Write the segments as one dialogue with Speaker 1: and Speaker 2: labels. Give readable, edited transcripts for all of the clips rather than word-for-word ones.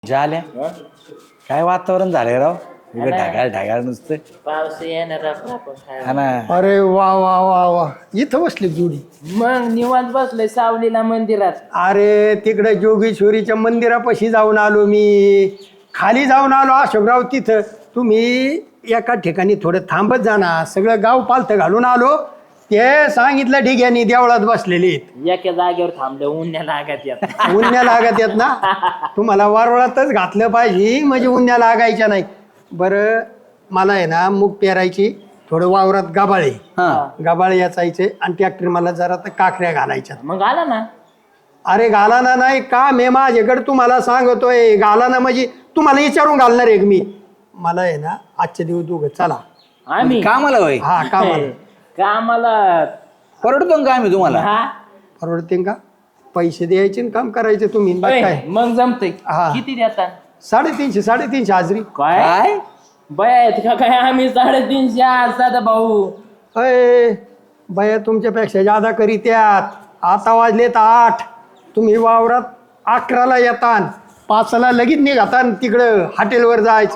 Speaker 1: झाल्या काय वातावरण झालंय राव इकडे ढगाळ ढगाळ नुसतं
Speaker 2: पाऊस येणार
Speaker 1: हा ना.
Speaker 3: अरे वा वा वा वा इथं बसली जोडी.
Speaker 2: मग निवांत बसलोय सावलीला मंदिरात.
Speaker 3: अरे तिकडे जोगेश्वरीच्या मंदिरापाशी जाऊन आलो मी. खाली जाऊन आलो अशोकराव तिथं. तुम्ही एका ठिकाणी थोडं थांबत जाणार. सगळं गाव पालथं घालून आलो. ते सांगितलं ठिकाणी देवळात बसलेले आहेत.
Speaker 2: एका जागेवर थांबले उन्ह्या लागत येत.
Speaker 3: उन्ह्या लागत येत ना. तुम्हाला वारुळातच घातलं पाहिजे म्हणजे उन्ह्या लागायच्या नाही. बरं मला आहे ना मूग पेरायची थोडं वावरात गाबाळे गाबाळे याचायचे आणि ट्रॅक्टर मला जरा तर काकऱ्या घालायच्या.
Speaker 2: मग आला ना.
Speaker 3: अरे घालाना नाही का मे माझ्याकडे तुम्हाला सांगतोय घालाना म्हणजे तुम्हाला विचारून घालणार आहे मी. मला आहे ना आजचे दिवस दोघं चला
Speaker 2: आम्ही
Speaker 1: कामाला होय
Speaker 3: हा कामाला.
Speaker 2: कामाला
Speaker 1: परवडतो का आम्ही तुम्हाला
Speaker 2: हा
Speaker 3: परवडते का? पैसे द्यायचे आणि काम करायचे तुम्ही बस
Speaker 2: होय,
Speaker 3: काय.
Speaker 2: मग जमतंय.
Speaker 3: हा.
Speaker 2: किती देतात
Speaker 3: 350 हाजरी.
Speaker 2: काय
Speaker 1: काय
Speaker 2: बया आहेत का काय? आम्ही 350 साधा भाऊ.
Speaker 3: अय बाया तुमच्यापेक्षा जादा करीत्यात. आता वाजलेत 8. तुम्ही वावरात 11ला येतान 5ला लगेच निघातान तिकडं हॉटेलवर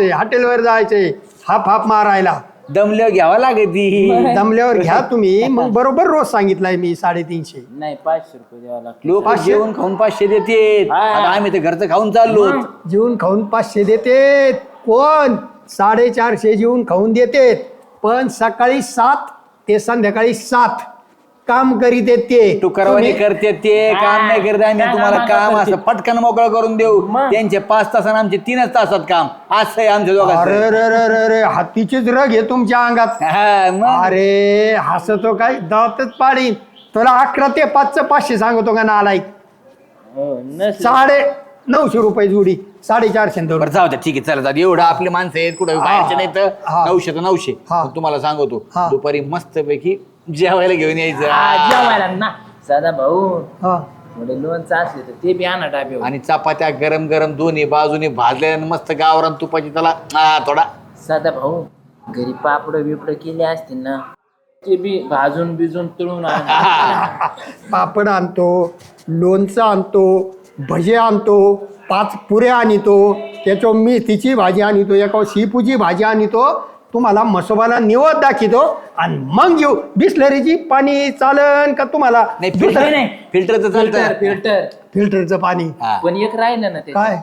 Speaker 3: जायचंय हाप हाप मारायला.
Speaker 1: दमल्यावर घ्यावा लागेल
Speaker 3: दमल्यावर घ्या तुम्ही. मग बरोबर रोज सांगितलाय मी 350.
Speaker 2: नाही 500 रुपये द्यावा लागतो.
Speaker 1: लोक जेवण खाऊन 500 देते
Speaker 2: हा.
Speaker 1: आम्ही तर घरचं खाऊन चाललो.
Speaker 3: जेवून खाऊन 500 देते कोण? 450 जेवून खाऊन देते. पण सकाळी 7 ते संध्याकाळी 7 काम करीत आहेत ते.
Speaker 1: टुकरवाणी करते ते काम नाही करत आम्ही.
Speaker 2: त्या
Speaker 1: तुम्हाला
Speaker 2: कामाला
Speaker 1: काम
Speaker 2: करते.
Speaker 1: असं पटकन मोकळं करून देऊ.
Speaker 2: मग.
Speaker 1: त्यांचे 5 तास आणि आमचे 3च तासात काम असं आहे आमच्या
Speaker 3: अरे
Speaker 1: दोघांचं.
Speaker 3: रे रे रे रे हातीचीच रग आहे तुमच्या अंगात.
Speaker 1: हा, मग.
Speaker 3: अरे हसतो काय दातच पाडीन तुला. 11 ते 5चं 500 सांगतो का नालायक.
Speaker 2: हो, नसेल.
Speaker 3: 950 रुपये जोडी 450
Speaker 1: बरं जाऊ द्या ठीक आहे चला जाऊ दे. एवढं आपले माणसं आहेत कुठं बाहेरचे नाही तर
Speaker 3: हा.
Speaker 1: 900 तर 900.
Speaker 3: हा.
Speaker 1: मग तुम्हाला सांगतो
Speaker 3: हा.
Speaker 1: दुपारी मस्त पैकी जेवायला घेऊन
Speaker 2: हा,
Speaker 1: यायचं
Speaker 2: जेवायला ना साधा भाऊ.
Speaker 3: हा.
Speaker 2: थोडे लोणचं असले तर ते बी आणा डाब्यावर.
Speaker 1: आणि चपात्या गरम गरम दोन्ही बाजूनी भाजल्या आणि मस्त गावरान तुपाची त्याला थोडा
Speaker 2: साधा भाऊ घरी पापड बिपड केले असतील ना ते बी भाजून बिजून तळून आणा.
Speaker 3: पापड आणतो, लोणचं आणतो, भजे आणतो, 5 पुऱ्या आणतो, त्याच्यावर मेथीची भाजी आणतो, एका शेपूची भाजी आणतो. तुम्हाला मसोबाला निवड दाखवतो आणि मग घेऊ. बिस्लरीची पाणी चालन का तुम्हाला?
Speaker 1: नाही
Speaker 2: नाही, नाही.
Speaker 1: फिल्टरचं
Speaker 2: फिल्टर
Speaker 1: चालतं.
Speaker 2: फिल्टर.
Speaker 3: फिल्टरचं पाणी.
Speaker 1: हा.
Speaker 2: पण एक राहिलं ना ते
Speaker 3: काय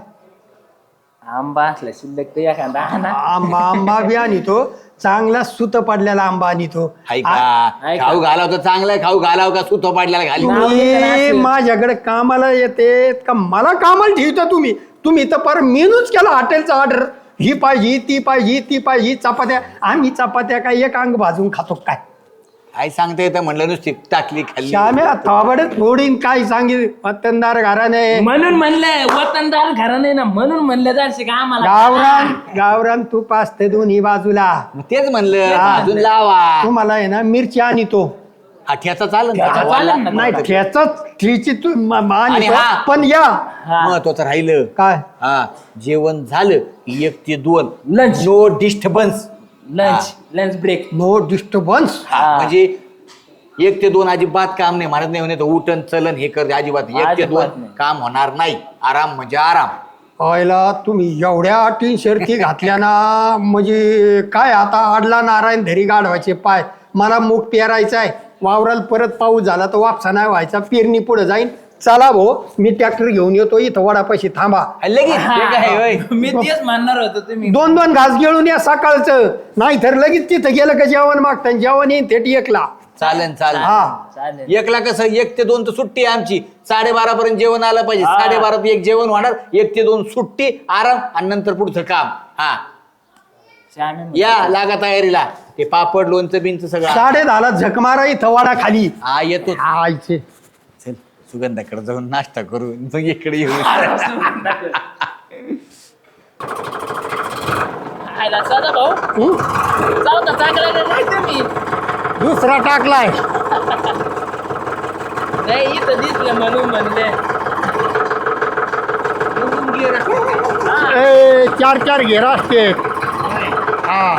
Speaker 2: आंबा असला शिल्लक तर एखादा आणा.
Speaker 3: आंबा बी आणतो. चांगला सुत पडलेला आंबा आणतो.
Speaker 1: हाय
Speaker 2: हाय
Speaker 1: का
Speaker 2: का?
Speaker 1: खाऊ घालाव तर चांगला खाऊ घालाव का सुतो पाडल्याला घाली
Speaker 3: तुम्ही माझ्याकडे कामाला येते का मला कामाला ठेवता तुम्ही? तुम्ही तर पर मेनूच केला हॉटेलचा ऑर्डर. ही पाहिजे ती पाहिजे ती पाहिजे. चपात्या आम्ही चपात्या काय एक अंग भाजून खातो काय?
Speaker 1: काय सांगता येतं म्हणलं नुसती टाकली खाल्ली.
Speaker 3: श्याम्या थोबडच फोडीन काय सांगितलं. पत्तनदार घराने
Speaker 2: म्हणून म्हणलंय वतनदार घराणे ना म्हणून म्हणलं जायचं का आम्हाला
Speaker 3: गावरान तूप असते दोन्ही बाजूला.
Speaker 1: मग तेच म्हणलं अजून लावा.
Speaker 3: तुम्हाला आहे ना मिरची आणतो.
Speaker 1: हा ठ्याचा चालेल
Speaker 2: ठ्याचा
Speaker 1: का?
Speaker 2: चालेल ना.
Speaker 3: नाही ठेचच ठेची तू
Speaker 1: आणि हा.
Speaker 3: पण या
Speaker 2: हा.
Speaker 1: महत्वाचं राहिलं
Speaker 3: काय
Speaker 1: हा जेवण झालं 1 ते 2
Speaker 2: lunch
Speaker 1: no disturbance.
Speaker 2: Lunch break.
Speaker 3: No disturbance.
Speaker 2: हा.
Speaker 1: म्हणजे 1 ते 2 अजिबात काम नाही म्हणत नाही तर उठन चलन हे कर अजिबात 1 ते 2
Speaker 2: अजिबात नाही.
Speaker 1: काम होणार नाही. आराम म्हणजे आराम.
Speaker 3: पहिला तुम्ही एवढ्या अटी शर्ती घातल्या ना म्हणजे काय आता आडला नारायण धरी गाढवायचे पाय. मला मूग पेरायचा आहे वावराला. परत पाऊस झाला तर वापसा नाही व्हायचा. पेरणी पुढे जाईन. चला भाऊ मी ट्रॅक्टर घेऊन येतो. इथं वडापाशी थांबा.
Speaker 1: लगेच ते काय होय?
Speaker 2: मी तेच म्हणणार होतो तुम्ही
Speaker 3: 2 घास गिळून या सकाळचं. नाही तर लगेच तिथं गेलं का जेवण मागता. जेवण येईन थेट 1ला.
Speaker 1: चालेल चालेल.
Speaker 3: हा
Speaker 2: चालेल.
Speaker 1: 1ला कसं 1 ते 2 तर सुट्टी आहे आमची. 12:30 पर्यंत जेवण आलं पाहिजे.
Speaker 2: हा.
Speaker 1: 12:30 एक जेवण होणार. 1 ते 2 सुट्टी आराम आणि नंतर पुढचं काम. हा
Speaker 2: श्यामे
Speaker 1: या लागा तयारीला. ते पापड लोणचं बिनचं सगळं
Speaker 3: 10:30ला झक मारा इथं वडा खाली.
Speaker 1: हा येतो.
Speaker 3: आयचे
Speaker 1: चल सुगंधाकडे जाऊन नाश्ता करू मग इकडे येऊ.
Speaker 2: आयला साधा भाऊ जाऊ तर चांगला नाही तुम्ही.
Speaker 3: दुसरा टाकलाय.
Speaker 2: नाही इथं दिसलं म्हणून म्हणले.
Speaker 3: 4 घेरा असते. हा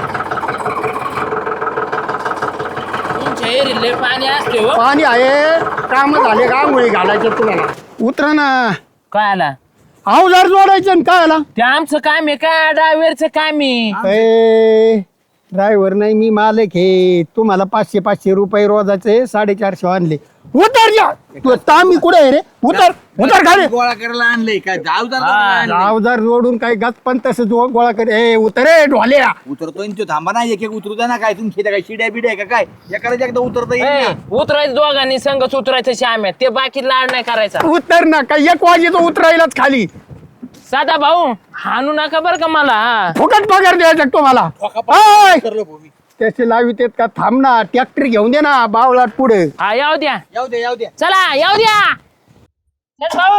Speaker 2: तुमच्या एरियाला पाणी असते हो.
Speaker 3: पाणी आहे. काम झाले का आंघोळी घालायचं तुम्हाला. उतरा ना.
Speaker 2: काय आला
Speaker 3: अवजार जोडायचं आणि काय आला
Speaker 2: ते आमचं काम आहे का ड्रायव्हरचं काम आहे.
Speaker 3: ड्रायव्हर नाही मी मालक हे तुम्हाला 500 रुपये रोजाचे 450 आणले उतर जा तू तामी कुठे आहे रे उतर उतर खाली
Speaker 1: गोळा करायला आणलंय काय
Speaker 3: अवजार जोडून काय गच पण तसं गोळा कर ए उतर रे ढोल्या
Speaker 1: उतरतोय ना तो, थांबा ना एक एक उतरू द्या ना. काय तुम्ही काय शिड्या बिड्या का काय एखाद्या एकदा उतरता येईल
Speaker 2: ए,
Speaker 1: ना.
Speaker 2: उतरायचं दोघांनी संघच उतरायचं श्याम्या ते बाकी लाड नाही करायचा.
Speaker 3: उतर ना काय 1 वाजेचं उतरायलाच खाली
Speaker 2: साधा भाऊ हाणू नका बरं का मला.
Speaker 3: फुकट पगार द्यायचा तुम्हाला ओय!
Speaker 1: उतरलो भाऊ मी.
Speaker 3: त्याचे लावित आहेत का थांब ना ट्रॅक्टर घेऊन दे ना बावळाट पुढे
Speaker 2: हा येऊ द्या
Speaker 1: येऊ द्या येऊ द्या.
Speaker 2: चला येऊ द्या. चल भाऊ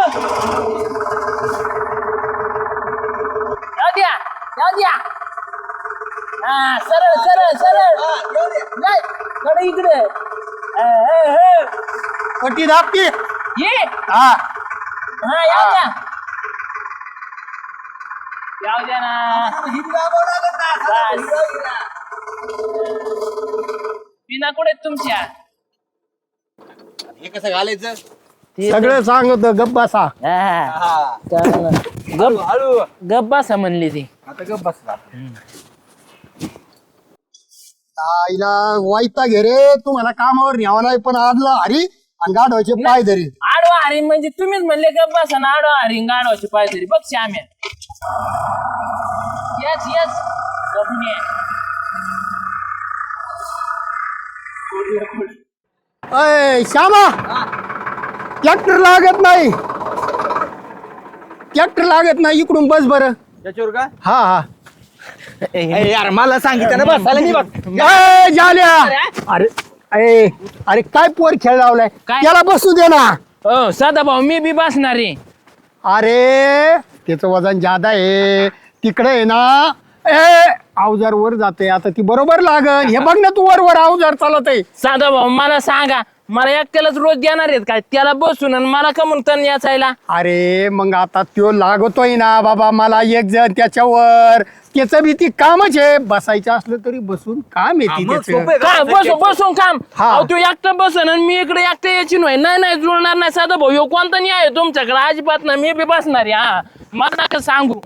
Speaker 2: येऊ द्या येऊ द्या. हा सरळ सरळ सरळ नाही, कडे इकडे.
Speaker 3: पट्टी दाबती
Speaker 2: ये
Speaker 3: हा
Speaker 2: हा येऊ द्या येऊ द्या ना. बस. बिना कुठे तुमच्या
Speaker 1: हे कसं घालायचं
Speaker 3: सगळं सांगतो गप्प बसा
Speaker 1: हा.
Speaker 2: गप
Speaker 1: हळू
Speaker 2: गप बसा म्हणली ती.
Speaker 1: आता गप बसला.
Speaker 3: आईला वाईटा घे रे तुम्हाला कामावर न्यावा नाही पण आजला हरी आणि गाढवायचे पाय धरी
Speaker 2: आडवा हरी म्हणजे तुम्हीच म्हणले गप बसा ना आडवा हरी गाडवाची पाय तरी बघ श्याम्या. येस येस बघून ये.
Speaker 3: अय श्यामा ट्रॅक्टर लागत नाही ट्रॅक्टर लागत नाही इकडून बस बरं
Speaker 1: त्याच्यावर का
Speaker 3: हा हा
Speaker 1: ए, यार मला सांगितलं ना बसायला नाही बस.
Speaker 3: ए, जाल्या अरे ए अरे काय पोर खेळ लावलाय
Speaker 2: काय?
Speaker 3: त्याला बसू दे ना
Speaker 2: हो साधा भाऊ मी बी बसणार आहे.
Speaker 3: अरे त्याचं वजन जादा आहे तिकडे आहे ना ए अवजार वर जाते आता ती बरोबर लागल हे बघ ना तू वर अवजार चालत आहे
Speaker 2: साधा भाऊ मला सांगा मला एकट्यालाच रोज देणार आहेत काय त्याला बसून आणि मला कमून तण याचायला.
Speaker 3: अरे मग आता त्यो लागतोय ना बाबा मला एक जण त्याच्यावर त्याचं बी ती कामच आहे बसायचं असलं तरी बसून काम
Speaker 1: हा,
Speaker 3: येते
Speaker 1: मग
Speaker 3: त्याचं
Speaker 1: सोपं आहे का?
Speaker 2: काय बसून बसून काम.
Speaker 3: हा.
Speaker 2: अहो, तू एकटं बसन आणि मी इकडे एकटं यायची नाही नाही नाही जुळणार नाही साधा भाऊ ह्यो कोणता नाही आहे तुमच्याकडे अजिबात नाही मी बी बसणार आहे. हा मला नका सांगू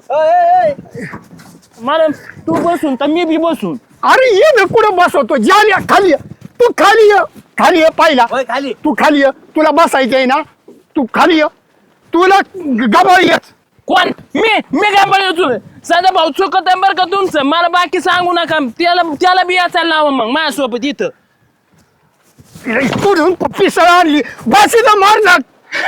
Speaker 2: मला तू बसून तर मी बी बसून.
Speaker 3: अरे ये ना कुठं बसवतो जाल्या खाली ये. तू खाली ये पाहिला
Speaker 1: होय, खाली
Speaker 3: तू खाली ये तुला बसायचं आहे ना तू खाली ये तुला गबाळ येत
Speaker 2: कोण मी काय बोलतो साधा भाऊ चुकत आहे बरं का तुमचं मला बाकी सांगू नका त्याला बी याचायला लावा मग माझ्यासोबत इथं.
Speaker 3: इकडून पिसळ आणली बसीचा मार जात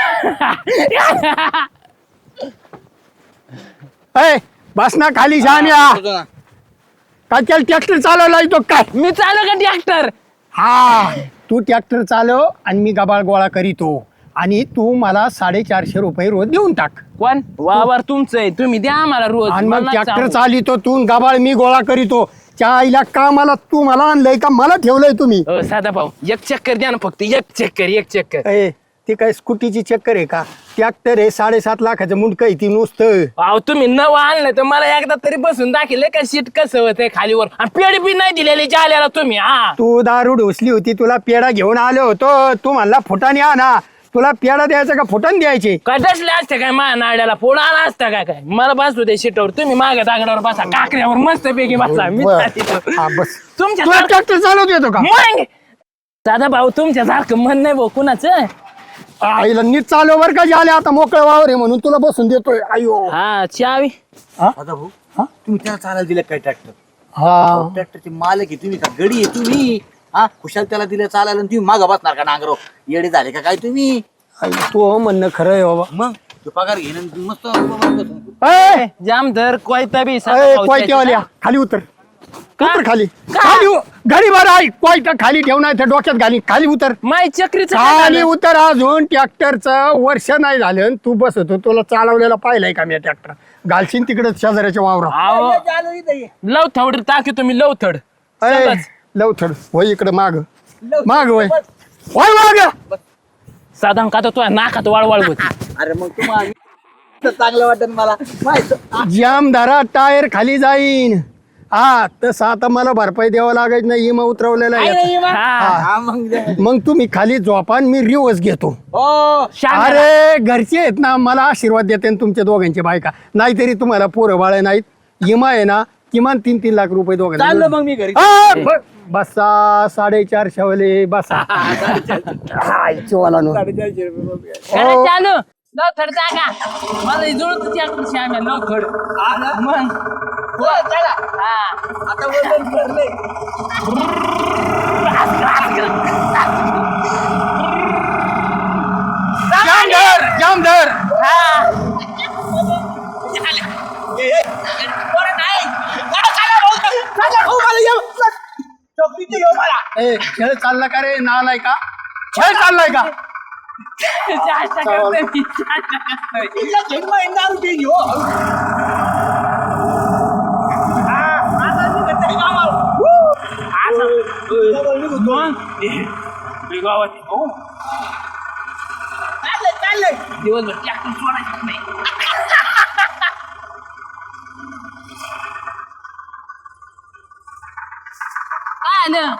Speaker 3: ए बस ना खाली जाण्या काय त्याला ट्रॅक्टर चालवला येतो काय
Speaker 2: मी चालू का ट्रॅक्टर.
Speaker 3: हा तू ट्रॅक्टर चालव आणि मी गबाळ गोळा करीतो आणि तू मला 450 रुपये रोज देऊन टाक
Speaker 2: कोण वावर तुमचं आहे तुम्ही द्या आम्हाला रोज.
Speaker 3: आणि मग
Speaker 2: मला
Speaker 3: ट्रॅक्टर
Speaker 2: सांगू.
Speaker 3: चालितो तू गबाळ मी गोळा करीतो त्या आईला का मला आणलंय का मला ठेवलंय तुम्ही
Speaker 2: हो साधा भाऊ एक चक्कर द्या ना फक्त एक चक्कर.
Speaker 3: ए ती काय स्कूटीची चक्कर आहे का ट्रॅक्टर आहे 7.5 लाखाचं मुंडक आहे ती नुसतं
Speaker 2: अहो तुम्ही नवं आणलं तर मला एकदा तरी बसून दाखिले का सीट कसं होतंय खालीवर आणि पेढी बी नाही दिलेली जाल्याला तुम्ही. हा
Speaker 3: तू दारू ढोसली होती तुला पेढा घेऊन आलो होतो तू म्हणला फुटाने आणा तुला पेढा द्यायचा का फुटाने द्यायचे
Speaker 2: काय डसले असते काय माझ्या नाड्याला फोड आला असता काय मला बसू दे सीटावर तुम्ही मागे दागडावर बसा काकऱ्यावर मस्त पैकी बसा मी
Speaker 3: बरं.
Speaker 2: तिथं.
Speaker 3: हा, बस
Speaker 2: तुमच्या
Speaker 3: तुला ट्रॅक्टर चालवत येतो का
Speaker 2: मग साधा भाऊ तुमच्या सारखं मन नाही भाऊ कुणाचं.
Speaker 3: आईला नीट चालव बर का झाले आता मोकळं वावर आहे म्हणून तुला बसून देतोय आयो
Speaker 2: हा चावी
Speaker 1: आता भाऊ तुम्ही त्याला चालायला दिलं काय ट्रॅक्टर
Speaker 3: हा
Speaker 1: ट्रॅक्टरचे मालक आहे तुम्ही का गडी आहे तुम्ही हा खुशाल त्याला दिलं चालायला आणि तुम्ही मागं बसणार का नांगरो येडे झाले का काय तुम्ही
Speaker 3: तू म्हणणं खरं आहे बाबा
Speaker 1: मग तो पगार घेणं आणि मस्त बसून.
Speaker 3: ए,
Speaker 2: जाम धर कोयता बी
Speaker 3: ए,
Speaker 2: साधा भाऊ
Speaker 3: कोयत्यावाल्या खाली उतर
Speaker 2: का?
Speaker 3: उतर खाली
Speaker 2: का?
Speaker 3: खाली गाडी बरं आई कोयता खाली ठेव नाही तर डोक्यात घाली खाली उतर
Speaker 2: माय चक्रीचं काय
Speaker 3: खाली
Speaker 2: झालं?
Speaker 3: उतर अजून ट्रॅक्टरचं वर्ष नाही झालं आणि तू बसतो तुला चालवलेला पाहिलाय का मी ट्रॅक्टर घालशील तिकडे शेजाऱ्याच्या वावरा
Speaker 2: अहो, लवथड टाकी तुम्ही लवथड सगळंच.
Speaker 3: लवथड होय इकडे माग वय होय माग
Speaker 2: साधा का तर तुझ्या नाकात वाळवाळ होती.
Speaker 1: अरे मग तुम्हाला चांगलं वाटत मला माहित
Speaker 3: जाम धरा टायर खाली जाईन हा तसं आता मला भरपाई द्यावं लागायचं नाही इमा उतरवलेला आहे याचा.
Speaker 2: हा.
Speaker 1: हा मग द्या.
Speaker 3: मग तुम्ही खाली झोपा आणि मी रिवर्स घेतो.
Speaker 1: हो
Speaker 2: शांत राहा.
Speaker 3: अरे घरचे आहेत ना मला आशीर्वाद देते ना तुमच्या दोघांची बायका. नाहीतरी तुम्हाला पोरं बाळ नाहीत इमा आहे ना किमान 3-3 लाख रुपये
Speaker 1: चाललो
Speaker 3: दोघांना.
Speaker 1: मग मी घरी
Speaker 3: बसा 4.5 वाले बसा. वाला नो
Speaker 1: 450 रुपये.
Speaker 2: खरं चालू लवकर जागा मला जुळत त्याकडे श्याम्या लवकर मग
Speaker 1: हो, चला.
Speaker 2: हा
Speaker 1: आता वजन भरलंय.
Speaker 3: जामदार
Speaker 2: हा
Speaker 3: खेळ चालला का रे नालाय का खेळ चाललाय का.
Speaker 2: चाष्टा करतोय मी, चाष्टा करतोय. दिवसभर ट्रॅक्टर सोडायचं नाही. काय आलं?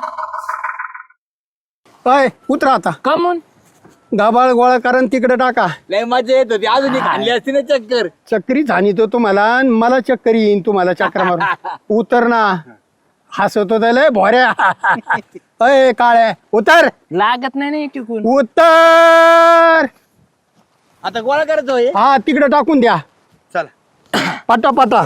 Speaker 3: अय उतरा आता
Speaker 2: कमून
Speaker 3: गाबाळ गोळा कारण तिकडे टाका.
Speaker 1: लय मजा येत होती अजून एक आणली असती ना चक्कर.
Speaker 3: चक्री झाली तो तुम्हाला आणि मला चक्कर येईन तुम्हाला चक्र मारून. उतर ना हसत होता लय भोऱ्या. अय काळ्या उतर
Speaker 2: लागत नाही ना टिकून.
Speaker 3: उतर.
Speaker 1: आता गोळा करतो हे.
Speaker 3: हा तिकडे टाकून द्या
Speaker 1: चला
Speaker 3: पटा पटा.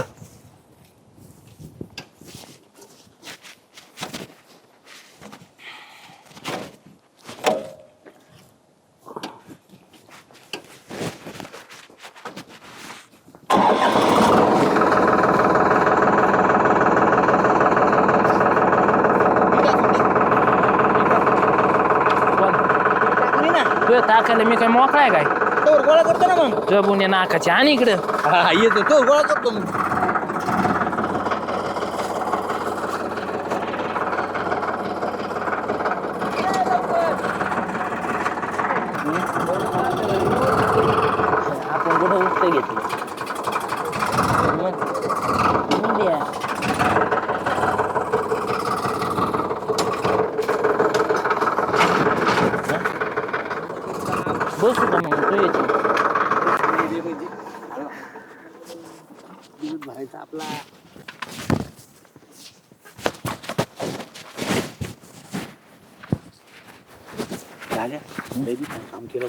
Speaker 2: तुझ्या ताकाला मी काय मोकळाय काय
Speaker 1: तो गोळा करतो ना मग.
Speaker 2: जबून या नाकाची आणि इकडं
Speaker 1: हा येतो तो गोळा करतो मग.
Speaker 2: आपण कुठं उठतं घेतलं बसू का मग तू यायची
Speaker 1: भरायचा आपला. झाल्या काम केलं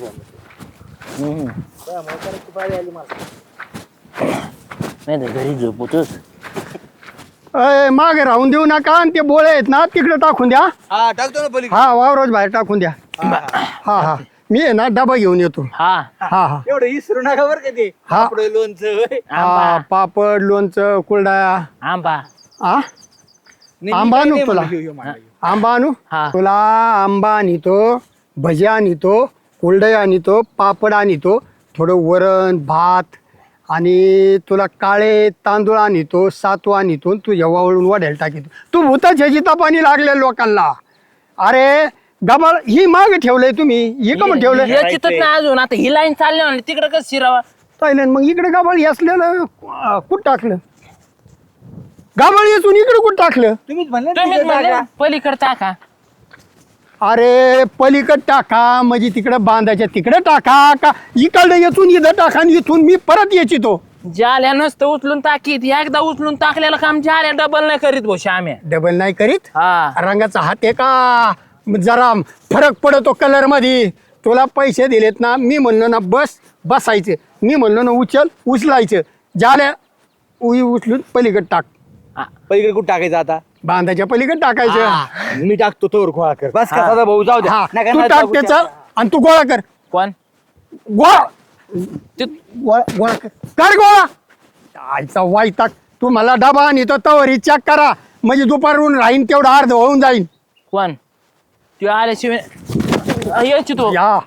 Speaker 2: नाही तर घरी झोपतोच.
Speaker 3: अय मागे राहून देऊ नका आणि ते बोळे आहेत ना तिकडे टाकून द्या.
Speaker 1: हा टाकतो ना पलीकडे.
Speaker 3: हा वावरोज बाहेर टाकून द्या. हा हा मी आहे ना डबा घेऊन येतो.
Speaker 2: हा
Speaker 3: हा हा
Speaker 1: एवढं इसरू नका बरं का ते.
Speaker 3: हा.
Speaker 1: आपलं लोणचं होय.
Speaker 3: हा पापड लोणचं कुरडया.
Speaker 2: आंबा
Speaker 3: हा
Speaker 1: नाही,
Speaker 3: आंबा
Speaker 1: मी
Speaker 3: आणू
Speaker 1: काय
Speaker 3: तुला?
Speaker 1: नाही म्हणलं, ह्यो मांडा.
Speaker 3: आंबा आणू
Speaker 2: हा.
Speaker 3: तुला आंबा आणतो भजी आणतो कुरडया आणतो पापड आणतो थोडं वरण भात आणि तुला काळे तांदूळ आणतो सातू आणतो तुझ्या वावळून वाढायला टाकीतो. तू भूताच्या जितापाणी लागले लोकांना. अरे गबाळ ही माग ठेवलंय तुम्ही ही का म्हणून ठेवलंय
Speaker 2: याचीतच ना अजून आता ही लाईन चालली म्हणली तिकडे कसं शिरावा.
Speaker 3: ताईलंड मग इकडे गाबाळ असलेलं कुठं टाकलं गाबाळ येसून इकडे कुठं टाकलं.
Speaker 1: तुम्हीच म्हणले ना
Speaker 2: तुम्हीच
Speaker 1: तिथे
Speaker 2: म्हणले
Speaker 1: टाका.
Speaker 2: पलीकडे टाका.
Speaker 3: अरे पलीकड टाका म्हणजे तिकडे बांधायच्या तिकडे टाका का इकडे येथून इथं टाका आणि इथून मी परत यायची तो.
Speaker 2: जाल्या नसतं उचलून टाकीत एकदा उचलून टाकलेलं काम जाल्या डबल नाही करीत भाऊ श्याम्या.
Speaker 3: डबल नाही करीत.
Speaker 2: हा
Speaker 3: रंगाचा हात आहे का जरा फरक पडतो कलर मध्ये. तुला पैसे दिलेत ना मी म्हणलो ना बस बसायचं मी म्हणलो ना उचल उचलायचं झाल्या उचलून पलीकड टाक.
Speaker 1: पलीकडे कुठं टाकायचं आता.
Speaker 3: बांधाच्या पलीकड टाकायचं.
Speaker 1: हा, मी टाकतो तोवर गोळा कर बस का दादा भाऊ जाऊ द्या.
Speaker 3: हा
Speaker 1: नका
Speaker 3: तू
Speaker 1: ना
Speaker 3: टाक
Speaker 1: टाकू
Speaker 3: त्याचा
Speaker 1: त्या.
Speaker 3: आणि तू गोळा कर
Speaker 2: कोण
Speaker 3: गोळा
Speaker 2: ते-
Speaker 3: गोळा कर गोळा. आईचा वाईटाक तू मला डबा आणि तो तवरी चेक करा म्हणजे दुपारून राहीन तेवढं अर्ध होऊन जाईन.
Speaker 2: कोण तू आल्याशिवाय यायची तो
Speaker 3: या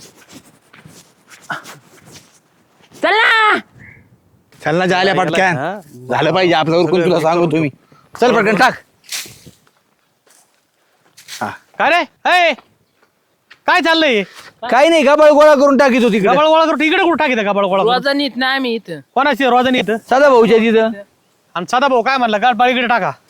Speaker 2: चला
Speaker 1: चल ना जायला पटकन झालं पाहिजे आपलं उरकून तुला सांगू तुम्ही. चल पटकन टाक.
Speaker 4: काय रे ए काय चाललंय
Speaker 1: काही नाही गबाळ गोळा करून टाकीत होती
Speaker 4: गबाळ गोळा करू इकडे कुठं टाकी गबाळ गोळा करून?
Speaker 2: रोजा नीट ना आम्ही इथं
Speaker 4: कोणाची रोजनी इथं
Speaker 1: साधा भाऊच्या तिथं.
Speaker 4: आणि सदा भाऊ काय म्हणला गबाळ इकडे टाका.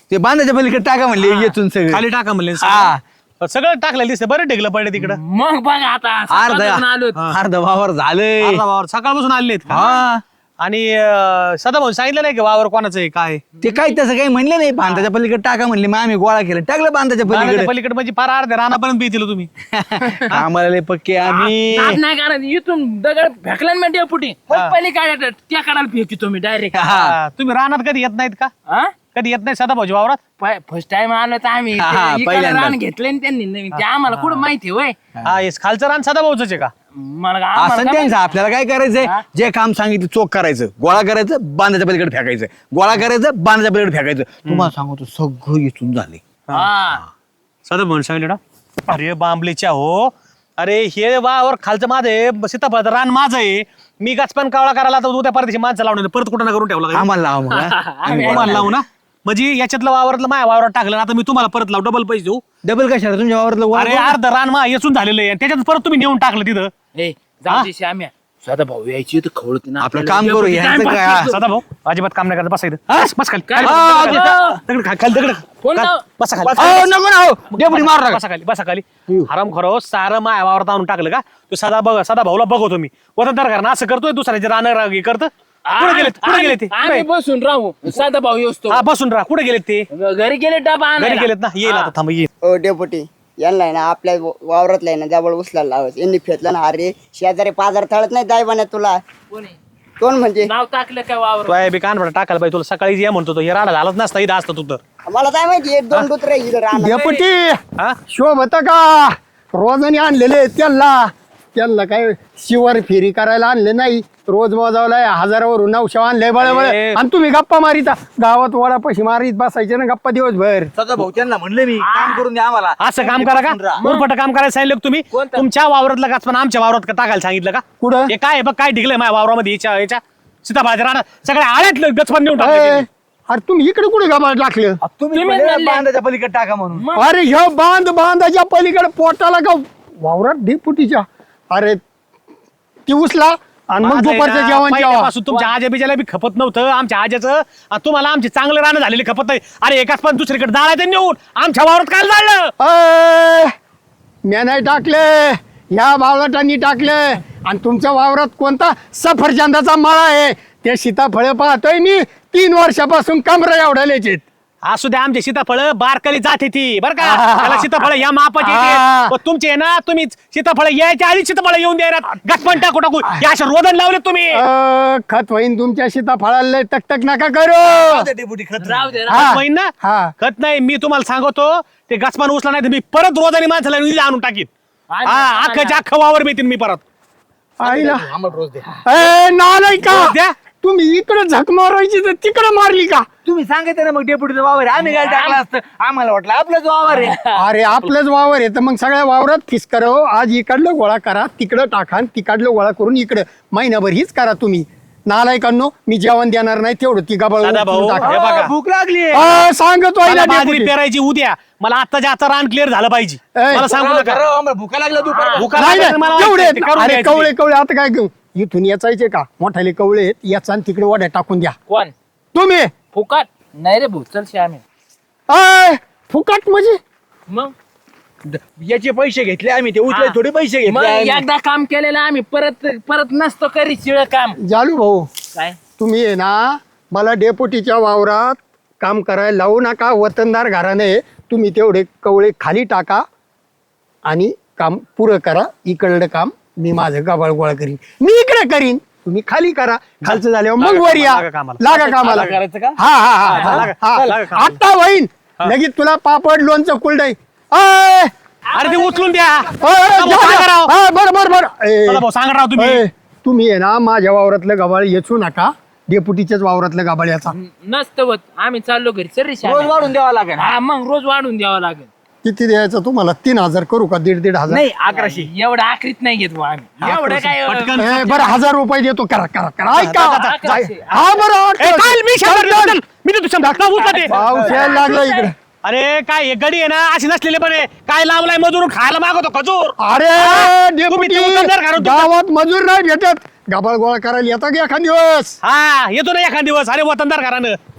Speaker 5: ते बांधाच्या पलीकडे टाका म्हणले येतून सगळं
Speaker 4: खाली टाका म्हणले
Speaker 5: हा.
Speaker 4: सगळं टाकलेलं दिसतं बरं ढेकलं पडले तिकडं
Speaker 2: मग बघा आता सकाळपासून आलोय.
Speaker 5: अर्ध वावर झालंय
Speaker 4: अर्धा वावर सकाळपासून आलेत का
Speaker 5: हा
Speaker 4: आणि सदाभाऊ सांगितलं नाही की वावर कोणाचं आहे काय
Speaker 5: ते काही तसं काही म्हणलं नाही बांधाच्या पलीकडे टाका म्हणले मग आम्ही गोळा केलं टाकलं बांधाच्या
Speaker 4: रानाच्या
Speaker 5: पलीकडे
Speaker 4: पलीकडे म्हणजे फार अर्ध्या रानापर्यंत बेतील तुम्ही
Speaker 5: आम्हाला लय पक्के आम्ही
Speaker 2: नाद नाही कारण इथून दगड फेकला ना डेपुटी पहिली काढायचं त्या काढायला फेकी तुम्ही डायरेक्ट
Speaker 4: हा, तुम्ही रानात कधी येत नाहीत का कधी येत नाही सदाभाऊजी वावरात
Speaker 2: फर्स्ट टाइम आलो तर आम्ही
Speaker 5: हा,
Speaker 2: ते इकडं
Speaker 5: पहिल्यांदा.
Speaker 2: रान घेतलंय ना त्यांनी नवीन ते आम्हाला कुठं माहिती होय
Speaker 4: हा येस खालचं रान सदाभाऊच आहे का
Speaker 2: मला
Speaker 5: असं
Speaker 2: आम्हाला
Speaker 5: त्यांचं आपल्याला काय करायचंय जे काम सांगितलं चोख करायचं गोळा करायचं बांधाच्या पलीकडे फेकायचं गोळा करायचं बांधाच्या पलीकडे फेकायचं तुम्हाला सांगतो सगळं इथून झाले
Speaker 2: हा.
Speaker 4: सदाभाऊ सांगितलं ना अरे बांबलेच्या हो अरे हे वावर खालचं माझं आहे सीताफळाचं रान माझं आहे मी गाचपान कावळा करायला तर उद्या परदेशी माणसं लावणार परत कुठं ना करून ठेवला का?
Speaker 5: आम्हाला लावा मग, हा.
Speaker 2: आम्ही
Speaker 4: तुम्हाला लावू ना म्हणजे याच्यातलं वावरातलं माझ्या वावरात टाकलं ना आता मी तुम्हाला परत लावू डबल पैसे देऊ
Speaker 5: डबल कशाला तुमच्या वावरातलं गोळा
Speaker 4: अरे
Speaker 5: करू?
Speaker 4: अर्ध रान मा येचून झालेलं आहे त्याच्यात परत तुम्ही नेऊन टाकलं तिथं
Speaker 2: ए जाऊ दे श्याम्या सदा भाऊ यायची तर खवळती ना
Speaker 5: आपलं
Speaker 2: आपल्याला.
Speaker 5: काम करू,
Speaker 2: डेपुटी
Speaker 5: यांचं
Speaker 2: time
Speaker 5: काय?
Speaker 2: pass करतो.
Speaker 4: सदाभाऊ अजिबात काम नाही करत बसा इथं बस खाली
Speaker 2: काय?
Speaker 4: खाली,
Speaker 2: हा,
Speaker 4: दगड खा- खाली दगड
Speaker 2: कोण
Speaker 4: खाली,
Speaker 2: नाव?
Speaker 4: बसा खाली
Speaker 5: अहो, नको ना हो डेपुटी मारू नका.
Speaker 4: बसा खाली बसा खाली हराम खरो सारं माया वावरात आणून टाकलं का तू सदा भाऊला बघतो मी वतनदार घरानं असं करतोय दुसऱ्याचे रान हे करतं कुठे गेले ते
Speaker 2: आम्ही बसून राहू साधा भाऊ येऊस
Speaker 4: हा बसून राहा कुठे गेलेत ते
Speaker 2: घरी गेले डबा
Speaker 4: घरी
Speaker 2: आणायला.
Speaker 4: गेलेत ना येईल आता थांब येईल
Speaker 6: ओ डेपुटी यांना आहे ना आपल्या वावरातला आहे ना जवळ उचलायला लावायचं यांनी फेतलं ना अरे शेजारी पाजार थळत नाही दायबाने तुला
Speaker 2: कोणी?
Speaker 6: कोण म्हणजे
Speaker 2: नाव टाकलं काय वावर
Speaker 4: तो बी कान टाकायला पाहिजे तुला सकाळी ये म्हणतो तो हे राडा झालाच नसता इथं असतं तू तर
Speaker 6: मला काय माहिती एक दोन दुसरे इथं राहणार
Speaker 3: डेपुटी
Speaker 4: हा
Speaker 3: शोभत का रोजाने आणलेले त्यांना काय शिवर फेरी करायला आणले नाही रोज मोजावलाय हजारावरून 900 आणले बळबळ
Speaker 4: अरे.
Speaker 3: आणि तुम्ही गप्पा मारिता गावात वडा पशी मारीत बसायचे ना गप्पा दिवसभर
Speaker 1: सदा भाऊ त्यांना म्हणलं मी काम करून द्या आम्हाला
Speaker 4: असं काम करा का उरपट काम करायला सांगितलं का तुम्ही
Speaker 2: कोणतं?
Speaker 4: तुमच्या वावरातलं गाच पण आमच्या वावरात का टाकायला सांगितलं का
Speaker 3: कुठं?
Speaker 4: हे काय आहे बघ काय ढिकलंय माझ्या वावरामध्ये याच्या सीताफळाच्या रानात सगळ्या आळ्यातलं गचपण नेऊन टाकलं
Speaker 3: ए,
Speaker 4: त्यांनी.
Speaker 3: अरे तुम्ही इकडे कुठे गबाळ टाकलं
Speaker 1: तुम्ही
Speaker 2: तुम्ही
Speaker 1: म्हणले
Speaker 2: म्हणले.
Speaker 1: बांधाच्या पलीकडे टाका म्हणून
Speaker 3: अरे ह्यो बांधाच्या पलीकडे पोटाला का वावरात डेपुटीच्या अरे ती उचला आणि मग
Speaker 4: माझं आहे
Speaker 3: दुपारचं
Speaker 4: ना,
Speaker 3: जेवण जेवा
Speaker 4: पहिल्यापासून तुमच्या आजा बिजाला बी खपत नव्हतं आमच्या आज्याचं आणि तुम्हाला आमचे चांगलं रानं झालेले खपत नाही अरे एकाच पण दुसरीकडे जाळायचं नेऊन आमच्या वावरात काय जाळलं
Speaker 3: अय, म्या नाही टाकले ह्या बावळटांनी टाकले आणि तुमच्या वावरात कोणता सफरचंदाचा मळा आहे ते सीताफळ पाहतोय मी 3 वर्षापासून कमरा एवढ्यालेच
Speaker 4: असू द्या आमचे सीताफळ बारकाली जाते ती बरं का
Speaker 3: हा.
Speaker 4: त्याला सीताफळ या मापाचे
Speaker 3: हा.
Speaker 4: येते. पण तुमचे आहे ना तुम्ही सीताफळ यायच्या आधी सीताफळ येऊन द्या गचपण टाकू टाकू या अशा रोदन लावले तुम्ही
Speaker 3: खत होईन तुमच्या सीताफळाला तक नका करू
Speaker 1: डेपुटी खत
Speaker 2: राहू दे
Speaker 3: हा.
Speaker 4: होईन ना
Speaker 3: हा.
Speaker 4: कत नाही मी तुम्हाला सांगतो ते गचपान उचला नाही तर मी परत रोजानी माणसाला निधी आणून टाकीन
Speaker 2: आणि-
Speaker 4: हा अख्खाच्या अख्खा वावर मिळतील मी परत
Speaker 3: आईला
Speaker 1: आम्हाला रोज द्या
Speaker 3: ए नालाय का
Speaker 4: रोज द्या.
Speaker 3: तुम्ही इकडे झक मारायची तर तिकडे मारली का
Speaker 1: तुम्ही सांगितलं ना मग डेपुटीचं वावर आहे. आम्ही काय टाकलं असतं आम्हाला वाटलं आपलंच वावर आहे
Speaker 3: अरे आपलंच वावर आहे तर मग सगळ्या वावरात फिस करावं आज इकडलं गोळा करा तिकडं टाका आणि तिकडलं गोळा करून इकडं महिनाभर हीच करा तुम्ही नालायकांनो मी जेवण देणार नाही तेवढं ती गबाळ
Speaker 4: दादा भाऊ,
Speaker 3: टाका
Speaker 4: हे बघा.
Speaker 1: भूक लागली
Speaker 3: सांगतो आहे
Speaker 4: मला
Speaker 3: ना
Speaker 4: बाजरी
Speaker 3: डेपुटी.
Speaker 4: पेरायची उद्या मला आता जास्त रान क्लिअर झालं पाहिजे
Speaker 3: ए,
Speaker 4: मला सांगू नका
Speaker 1: आम्हाला भूका लागला दुपार
Speaker 4: भुका
Speaker 3: नाही
Speaker 4: लागल्या तर मला
Speaker 3: नाही, तेवढे
Speaker 4: वाटतं ते करून
Speaker 3: अरे
Speaker 4: द्यायचं
Speaker 3: कवळे
Speaker 4: ते.
Speaker 3: कवळे आता काय घेऊ इथून याचायचे का मोठाले कवळे आहेत याचा आणि तिकडे वड्या टाकून द्या
Speaker 2: कोण
Speaker 3: तुम्ही
Speaker 2: फुकाट नाही रे भाऊ चल श्याम्या
Speaker 3: अय, फुकट म्हणजे
Speaker 2: मग
Speaker 1: याचे पैसे घेतले आम्ही ते उचले थोडे पैसे
Speaker 2: मग
Speaker 1: घेतले आम्ही.
Speaker 2: एकदा काम केलेलं आम्ही परत परत नसतो करी शिळ काम
Speaker 3: जालू भाऊ
Speaker 2: काय
Speaker 3: तुम्ही आहे ना मला डेपुटीच्या वावरात काम करायला लावू नका वतनदार घराने तुम्ही तेवढे कवळे खाली टाका आणि काम पुरं करा इकडलं काम मी माझं गबाळ गोळा करीन मी इकडे करीन तुम्ही खाली करा खालचं झाल्यावर मग वर या
Speaker 4: लागा कामाला.
Speaker 3: लागा कामाला
Speaker 1: करायचं का?
Speaker 3: हा हा हा
Speaker 4: लागा,
Speaker 3: हा
Speaker 4: लागा कामाला.
Speaker 3: आता होईन लगेच तुला पापड लोणचं कुलडाई अय,
Speaker 4: अरे ते उचलून द्या
Speaker 3: अय,
Speaker 4: भाऊ,
Speaker 3: जा,
Speaker 4: सांगा
Speaker 3: जा.
Speaker 4: राव.
Speaker 3: हा, बरं ए,
Speaker 4: दादा भाऊ सांगा राव तुम्ही
Speaker 3: अय, तुम्ही आहे ना माझ्या वावरातलं गबाळ येचू नका डेपुटीच्याच वावरातलं गबाळ याचा
Speaker 2: नसतं होत आम्ही चाललो घरी सर रे
Speaker 1: रोज
Speaker 2: श्याम्या.
Speaker 1: वाढून द्यावा लागेल
Speaker 2: हा मग रोज वाढून द्यावं लागेल
Speaker 3: किती द्यायचं तुम्हाला 3000 करू का 1,500
Speaker 1: नाही 1100
Speaker 2: एवढं आखरीत नाही घेत भाऊ आम्ही एवढं काय
Speaker 4: पटकन.
Speaker 3: बरं 1000 रुपये देतो करा करा करा ऐका
Speaker 2: अकराशे.
Speaker 3: हा बरं
Speaker 4: ए, चाल, मी शंभर देतो, चल. मी देतो 100. का उचला ते?
Speaker 3: पाऊस यायला लागला इकडे
Speaker 4: अरे काय हे गडी आहे ना अशी नसलेले पण आहे. काय लावलाय मजूर खायला मागवतो खजूर
Speaker 3: अरे
Speaker 4: तुम्ही
Speaker 3: डेपुटी
Speaker 4: ते उचलणार का रे तुमचं?
Speaker 3: गावात मजूर नाही भेटत गबाळ गोळा करायला येता की एखाद दिवस
Speaker 4: हा येतो ना एखाद दिवस अरे वतनदार घरानं